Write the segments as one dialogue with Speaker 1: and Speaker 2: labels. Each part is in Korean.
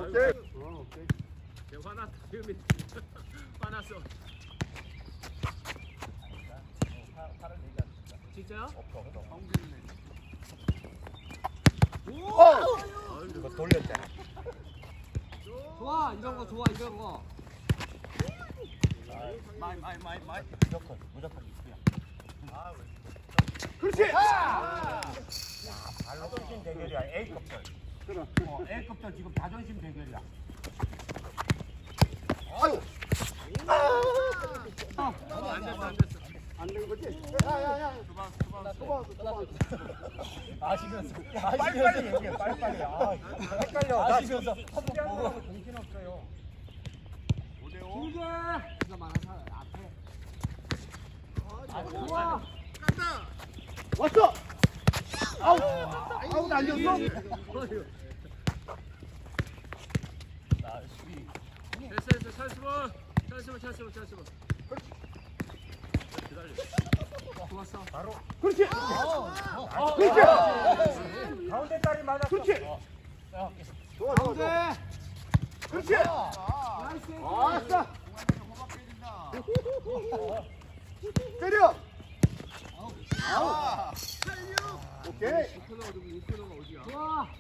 Speaker 1: 오케이. 오케이.
Speaker 2: 화났다. 화났어. 진짜요?
Speaker 1: 이거 돌렸잖아.
Speaker 3: 좋아 이런 거 좋아 이런 거.
Speaker 2: 마이.
Speaker 1: 무조건 이수야. 그렇지. 발로 뛰신 대결이야. A급들.
Speaker 4: 그래.
Speaker 1: A급들 지금 자존심 대결이야.
Speaker 4: 아유.
Speaker 2: 안 됐어.
Speaker 4: 안 되는 거지? 야야야. 소방.
Speaker 1: 아시면서 빨리빨리 얘기해. 빨리빨리. 아, 헷갈려. 아시면서 한번 보고 정신 없어요.
Speaker 2: 5대5.
Speaker 3: 길게. 이거 많아서 앞에. 좋아.
Speaker 4: 왔어. 아웃 아니었어?
Speaker 2: 됐어. 찬스볼. 기다려.
Speaker 3: 좋았어.
Speaker 1: 바로.
Speaker 4: 그렇지. 그렇지.
Speaker 1: 가운데 딸이 맞았어.
Speaker 4: 그렇지. 좋아.
Speaker 3: 가운데.
Speaker 4: 그렇지.
Speaker 3: 나이스.
Speaker 4: 아싸. 때려. 아웃. 오케이.
Speaker 2: 이코너가 어디야?
Speaker 3: 좋아.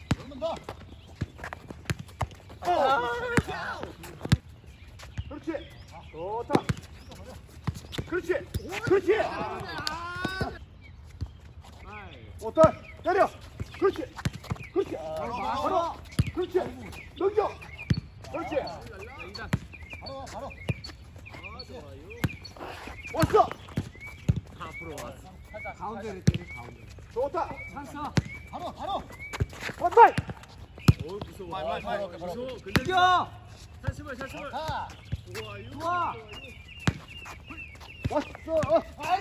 Speaker 4: 그렇지. 좋다. 그렇지. 오타 때려. 그렇지. 바로. 그렇지. 넘겨. 그렇지. 왔어.
Speaker 2: 앞으로 왔어.
Speaker 3: 가운데를 때려 가운데.
Speaker 4: 좋다.
Speaker 3: 찬스.
Speaker 4: 원발.
Speaker 2: 무서워. 무서워. 근데
Speaker 3: 이겨.
Speaker 2: 찬스볼.
Speaker 3: 좋아.
Speaker 4: 왔어.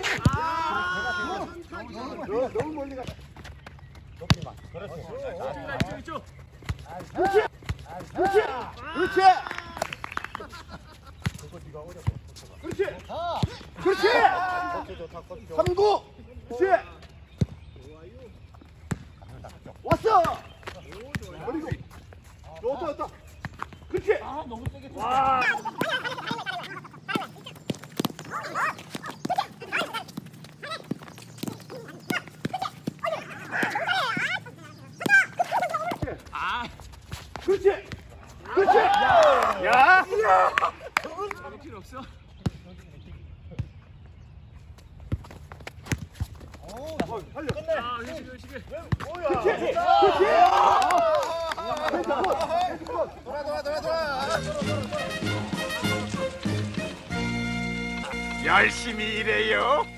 Speaker 4: 너무 멀리 가.
Speaker 1: 높이만. 그렇지.
Speaker 2: 이쪽.
Speaker 4: 그렇지.
Speaker 1: 그거 네가 어려워.
Speaker 4: 그렇지.
Speaker 1: 좋다.
Speaker 4: 3구. 그렇지. 왔어. 그리고 좋다. 그렇지.
Speaker 1: 너무 세게.
Speaker 4: 와. 그렇지. 야.
Speaker 2: 저거 필요 없어.
Speaker 4: 살려.
Speaker 2: 의식이.
Speaker 4: 그렇지.
Speaker 1: 열심히 일해요.